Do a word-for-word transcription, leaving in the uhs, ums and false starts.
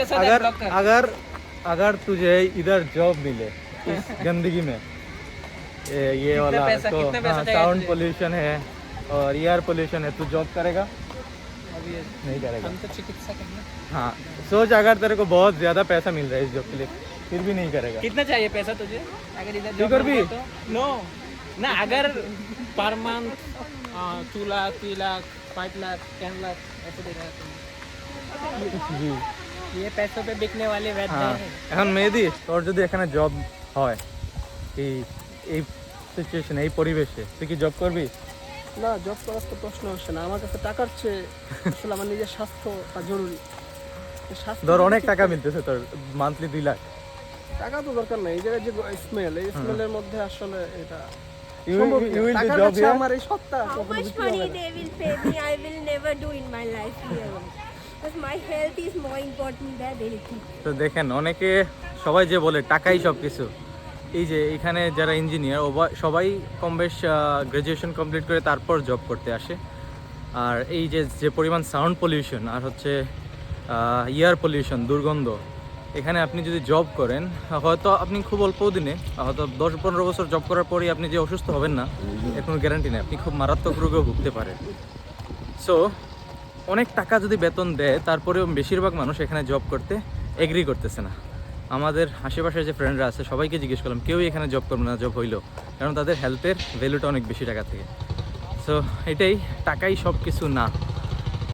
अगर अगर अगर तुझे इधर जॉब मिले इस गंदगी में, ये, ये वाला तो साउंड पोल्यूशन है और एयर पोल्यूशन है, तू जॉब करेगा? नहीं करेगा। हम तो चिकित्सक हैं ना। हाँ, सोच अगर तेरे को बहुत ज्यादा पैसा मिल रहा है इस जॉब के लिए, फिर भी नहीं करेगा। कितना चाहिए पैसा तुझे अगर इधर फिर जॉब भी मिले तो? नो ना, अगर per month two lakh three lakh five lakh ten lakh ऐसे दे रहा है জি। ये पैसों पे बिकने वाले वैद्य হ্যাঁ, हैं। এখন মেহেদি তোর যদি এখানে জব হয় এই এই সিচুয়েশনে, এই পরিবেশে, তুই কি জব করবি? না, জব করার তো প্রশ্ন আসে না। আমার কাছে টাকার চেয়ে আসলে আমার নিজের স্বাস্থ্যটা জরুরি। এই স্বাস্থ্য ধর যদি অনেক ঠিক টাকা থাকে- মিলতেছে তোর, মান্থলি দুই লাখ। টাকা তো দরকার নাই। এই জায়গায় যে স্মেল, এই স্মেলের মধ্যে আসলে এটা You will- সম্ভবই না। you will do টাকার job কাছে here? আমার এই সত্তা How কখনো much বিক্রি হবে money না। they will pay me, I will never do in my life here. Because my health is more important than anything. তো দেখেন অনেকে সবাই যে বলে টাকাই সব কিছু, এই যে এখানে যারা ইঞ্জিনিয়ার সবাই কম বেশ গ্র্যাজুয়েশন কমপ্লিট করে তারপর জব করতে আসে। আর এই যে যে পরিমাণ সাউন্ড পলিউশন আর হচ্ছে এয়ার পলিউশন, দুর্গন্ধ, এখানে আপনি যদি জব করেন হয়তো আপনি খুব অল্প দিনে, হয়তো দশ পনেরো বছর জব করার পরেই আপনি যে অসুস্থ হবেন না এর কোনো গ্যারান্টি নেই, আপনি খুব মারাত্মক রোগেও ভুগতে পারেন। সো অনেক টাকা যদি বেতন দেয় তারপরেও বেশিরভাগ মানুষ এখানে জব করতে এগ্রি করতেছে না। আমাদের আশেপাশের যে ফ্রেন্ডরা আছে সবাইকে জিজ্ঞেস করলাম, কেউই এখানে জব করবে না জব হইলো, কারণ তাদের হেলথের ভ্যালুটা অনেক বেশি টাকা থেকে। সো এটাই, টাকাই সব কিছু না।